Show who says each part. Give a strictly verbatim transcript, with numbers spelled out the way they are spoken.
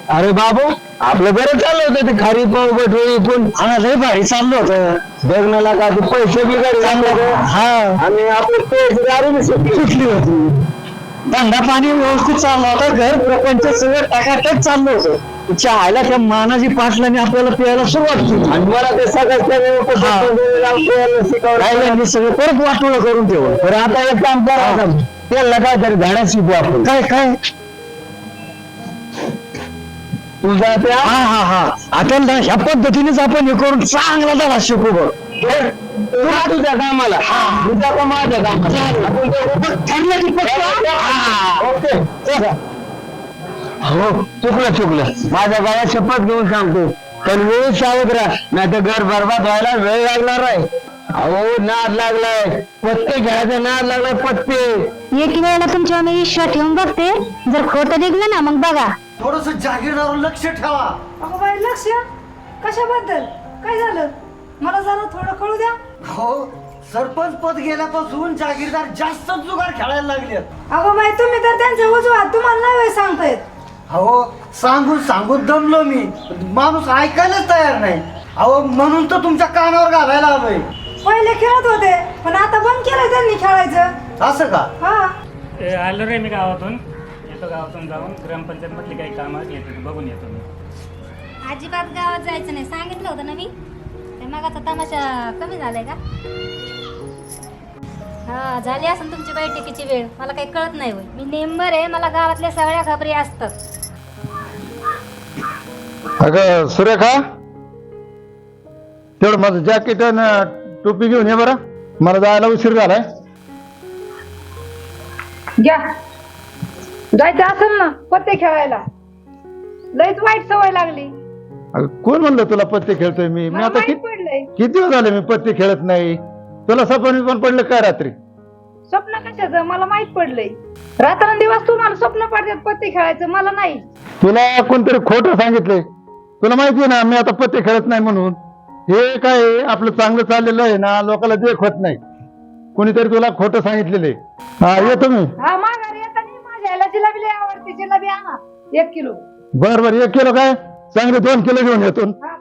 Speaker 1: अरे बाबू आपलं बरं चाललं होतं ते खारी पाव बटवळी पण
Speaker 2: हा लय भारी चाललं होतं
Speaker 1: बघण्याला का ते पैसे बिघाडे चांगलं
Speaker 2: हा
Speaker 1: आणि आपले पैसे दारू बी सुटली
Speaker 2: सुटली होती धंदा पाणी व्यवस्थित चालला होता घर प्रपंच सगळं टाकाटक चाललं होतं चहाला त्या मानाजी पाटलाने आपल्याला प्यायला सुरुवात केली
Speaker 1: आणि मला ते सगळं शिकवलं
Speaker 2: राहिल्यांनी सगळं परत वाटोळं करून ठेवलं
Speaker 1: तर आता एक काम करा त्याला काय तरी धाडा शिकू आपण
Speaker 2: काय काय
Speaker 1: तुझा त्या
Speaker 2: हा हा हा आता ना ह्या पद्धतीनेच आपण हे करून चांगला धडा शिकू बघ
Speaker 1: तुला तुझ्या कामाला तुझ्या का माझ्या कामाला आपण दोघं
Speaker 2: ठरलं की पक्का?
Speaker 1: हा, ओके चला. हो चुकलं चुकलं माझ्या गावात शपथ घेऊन सांगतो पण वेळ सावध राहा नाही तर घर बरबाद व्हायला वेळ लागणार आहे अहो नाद लागलाय पत्ते घ्यायचा नाद लागलाय पत्ते
Speaker 3: एक वेळेला तुमच्यावर मी विश्वास ठेवून बघते जर खोटं निघलं ना मग बघा
Speaker 4: थोडस जागीरदार लक्ष ठेवा.
Speaker 5: अगं बाई लक्ष कशाबद्दल काय झालं मला जरा थोडं कळू द्या.
Speaker 4: हो सरपंच पद गेल्यापासून जागीरदार जास्त जुगार खेळायला लागले.
Speaker 5: अगं बाई तुम्ही तर त्यांचे उजवात तुम्हाला नाही वेळ सांगतायत.
Speaker 4: अहो सांगून सांगून दमलो मी माणूस ऐकायलाच तयार नाही. अहो म्हणून तर तुमच्या कानावर घालायला आलोय.
Speaker 5: पहिले खेळत होते पण आता बंद केलंय त्यांनी खेळायचं.
Speaker 4: असं का?
Speaker 5: हा
Speaker 6: ए, आलो रे मी गावातून येतो गावातून जाऊन ग्रामपंचायत मधली काही कामं येतो बघून येतो मी.
Speaker 3: अजिबात गावात जायचं नाही सांगितलं होतं ना मी ते मगाचा तमाशा कमी झालाय का हा झाली असेल तुमची बैठकीची वेळ मला काही कळत नाही होय मी नेंबर आहे मला गावातल्या सगळ्या खबरी असतात.
Speaker 1: अगं सुरेखा तेवढं माझं जॅकेट आणि टोपी घेऊन ये बरं मला जायला उशीर झालाय.
Speaker 5: घ्या जायचं असेल ना पत्ते खेळायला लयच वाईट सवय लागली.
Speaker 1: अगं कोण म्हणलं तुला पत्ते खेळतोय मी मी
Speaker 5: मला
Speaker 1: आता
Speaker 5: माहित
Speaker 1: किती
Speaker 5: पडलंय
Speaker 1: किती दिवस झाले मी पत्ते खेळत नाही. तुला सपन पण पडलं काय रात्री
Speaker 5: स्वप्न कशाचं मला माहित पडलंय. रात्रंदिवस तुम्हाला स्वप्न पडतात पत्ते खेळायचं मला नाही.
Speaker 1: तुला कोणतरी खोटं सांगितलंय. तुला माहितीये ना मी आता पत्ते खेळत नाही म्हणून. हे काय आहे, आपलं चांगलं चाललेलं आहे ना लोकांना देख होत नाही. कोणीतरी तुला खोटं सांगितलेलं आहे. हा येतो मी.
Speaker 5: हा माघारी येताना माझ्या ह्याला जिलेबी लय आवडते जिलेबी आणा एक किलो.
Speaker 1: बर बर एक किलो काय चांगले दोन किलो घेऊन येतो.
Speaker 5: हा